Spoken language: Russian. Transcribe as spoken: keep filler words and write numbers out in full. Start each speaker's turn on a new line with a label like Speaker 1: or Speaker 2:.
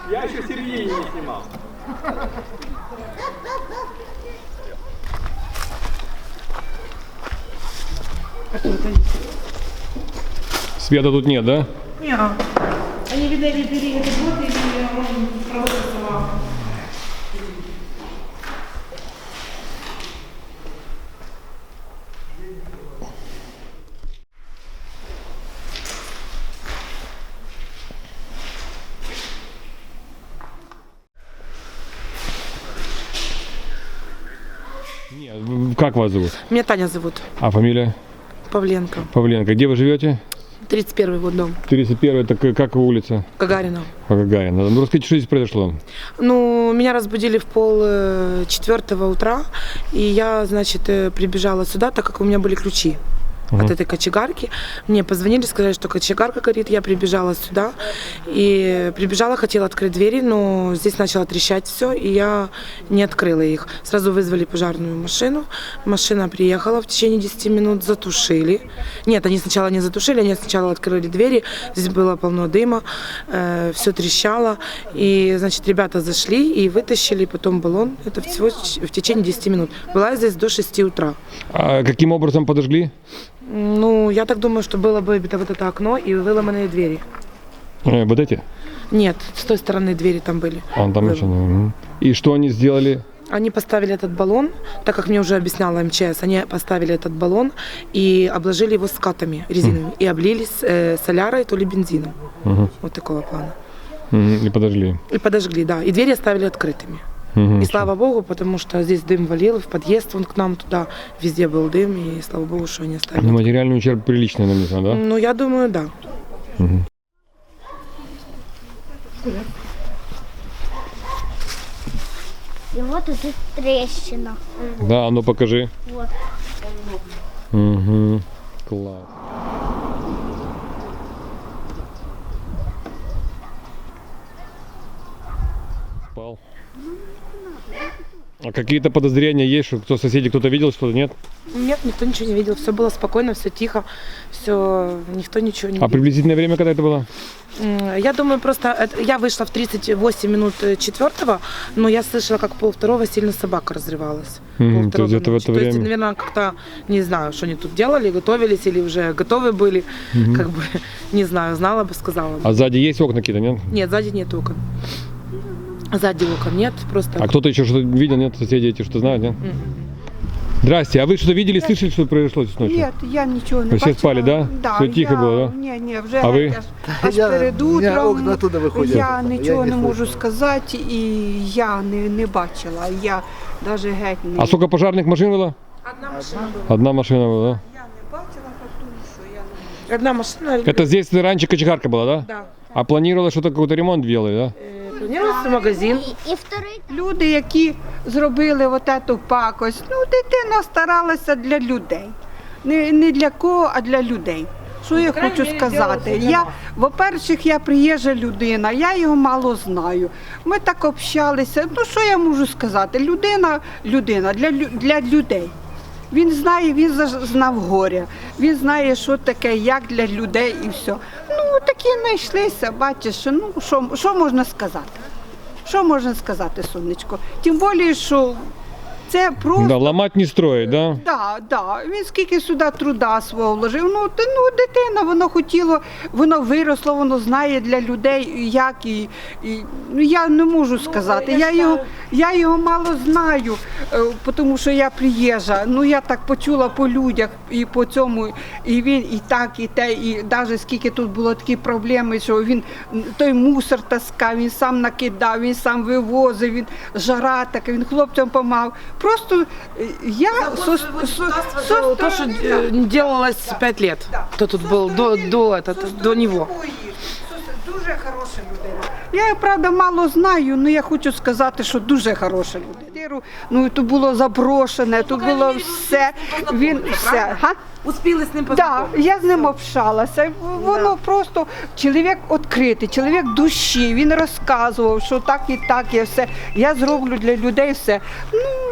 Speaker 1: Я еще Сергея не снимал.
Speaker 2: Света тут нет, да?
Speaker 3: Нет. Они, видали, бери этот год, или он проводится.
Speaker 2: Нет, как вас зовут?
Speaker 3: Меня Таня зовут.
Speaker 2: А фамилия?
Speaker 3: Павленко.
Speaker 2: Павленко. Где вы живете?
Speaker 3: тридцать первый год дом.
Speaker 2: тридцать первая, это как улица?
Speaker 3: Гагарина.
Speaker 2: По Гагарина. Ну расскажите, что здесь произошло?
Speaker 3: Ну, меня разбудили в пол э, четвертого утра, и я, значит, э, прибежала сюда, так как у меня были ключи от этой кочегарки. Мне позвонили, сказали, что кочегарка горит. Я прибежала сюда и прибежала, хотела открыть двери, но здесь начало трещать все, и я не открыла их. Сразу вызвали пожарную машину. Машина приехала в течение десяти минут, затушили. Нет, они сначала не затушили, они сначала открыли двери. Здесь было полно дыма, э, все трещало. И, значит, ребята зашли и вытащили потом баллон. Это всего в течение десяти минут. Была я здесь до шести утра.
Speaker 2: А каким образом подожгли?
Speaker 3: Ну, я так думаю, что было бы вот это окно и выломанные двери.
Speaker 2: Э, вот эти?
Speaker 3: Нет, с той стороны двери там были.
Speaker 2: А, там еще, наверное. И что они сделали?
Speaker 3: Они поставили этот баллон, так как мне уже объясняла эм че эс, они поставили этот баллон и обложили его скатами резиновыми. Mm. И облили э, солярой, то ли бензином. Uh-huh. Вот такого плана.
Speaker 2: Uh-huh. И подожгли.
Speaker 3: И подожгли, да. И двери оставили открытыми.
Speaker 2: Uh-huh.
Speaker 3: И слава богу, потому что здесь дым валил, в подъезд вон к нам туда, везде был дым, и слава богу, что они оставили.
Speaker 2: Ну, материальный ущерб приличный нанесен, да?
Speaker 3: Ну, я думаю, да.
Speaker 2: Uh-huh.
Speaker 4: И вот тут трещина.
Speaker 2: Да, а ну покажи.
Speaker 4: Вот.
Speaker 2: Угу. Класс. Спал. А какие-то подозрения есть, что кто соседи, кто-то видел что-то, нет?
Speaker 3: Нет, никто ничего не видел, все было спокойно, все тихо, все, никто ничего не видел.
Speaker 2: А приблизительное время, когда это было?
Speaker 3: Я думаю, просто это, я вышла в тридцать восемь минут четвертого, но я слышала, как пол второго сильно собака разрывалась.
Speaker 2: Mm-hmm, то есть это в это
Speaker 3: то
Speaker 2: время?
Speaker 3: есть, наверное, как-то, не знаю, что они тут делали, готовились или уже готовы были, mm-hmm. как бы, не знаю, знала бы, сказала бы.
Speaker 2: А сзади есть окна какие-то, нет?
Speaker 3: Нет, сзади нет окон. Сзади окон нет, просто...
Speaker 2: А кто-то еще что-то видел, нет? Соседи эти что знают, нет? Mm-hmm. Здрасте, а вы что-то видели,
Speaker 5: Нет.
Speaker 2: слышали, что произошло здесь ночью?
Speaker 5: Нет, я нічого не
Speaker 2: Ви всі
Speaker 5: бачила.
Speaker 2: спали, да?
Speaker 5: Да,
Speaker 2: Все тихо
Speaker 5: я,
Speaker 2: було, да?
Speaker 5: Ні, ні, вже
Speaker 2: А ви?
Speaker 5: аж, аж
Speaker 6: Я-
Speaker 5: перед
Speaker 6: у мене
Speaker 5: утром.
Speaker 6: окна туди виходять.
Speaker 5: Я
Speaker 6: Я
Speaker 5: нічого
Speaker 6: не
Speaker 5: не можу
Speaker 6: слышу.
Speaker 5: сказати, і я не, не бачила. Я навіть геть не...
Speaker 2: А сколько пожарных машин было?
Speaker 3: Одна машина была.
Speaker 2: Одна машина была, да?
Speaker 5: Я не бачила, тому що я не можу.
Speaker 3: Одна машина.
Speaker 2: Это здесь раньше кочегарка была, да?
Speaker 3: Да.
Speaker 2: А планировала что-то какой-то ремонт делать, да?
Speaker 3: Э, Планировался магазин.
Speaker 4: І, і вторий
Speaker 5: Люди, які зробили от эту пакость, ну, дитина старалася для людей. Не, не для кого, а для людей. Що я
Speaker 3: крайній
Speaker 5: хочу
Speaker 3: мірі,
Speaker 5: сказати?
Speaker 3: діло все для
Speaker 5: Я,
Speaker 3: нас.
Speaker 5: во-перше, я приїжджа людина, я його мало знаю. Ми так общалися. Ну, що я можу сказати? Людина, людина для, лю- для людей. Він знає, він заж- знав горя, він знає, що таке, як для людей і все. Ну, такі знайшлися, бачиш, що, ну, що, що можна сказати? Що можна сказати, сонечко? Тим більше, що це просто...
Speaker 2: Да, ломать не строить, да?
Speaker 5: Да, да. Він скільки сюди труда свого вложив. Ну, ти- ну, дитина, воно хотіло, воно виросло, воно знає для людей, як і, і ну, я не можу сказати.
Speaker 3: я
Speaker 5: Я його,
Speaker 3: знаю.
Speaker 5: я його мало знаю, е, тому що я приїжджа. Ну, я так почула по людях і по цьому, і він і так, і те, і навіть скільки тут було такі проблеми, що він той мусор таскав, він сам накидав, він сам вивозив, він жара така, він хлопцям помагав. Просто е, я со- со- со
Speaker 3: То, что
Speaker 5: сторони,
Speaker 3: э, делалось пять лет, кто тут был до, до, этот, до него.
Speaker 5: Дуже хороша людина. Я її, правда, мало знаю, але я хочу сказати, що дуже хороша людина. Ну, тут було заброшене, тут було все. Він все. Га?
Speaker 3: Успели с ним
Speaker 5: Так,
Speaker 3: познакомиться.
Speaker 5: я з ним общалася. Воно просто чоловік відкритий, чоловік душі. Він розказував, що так і так, і все. Я зроблю для людей все. Ну,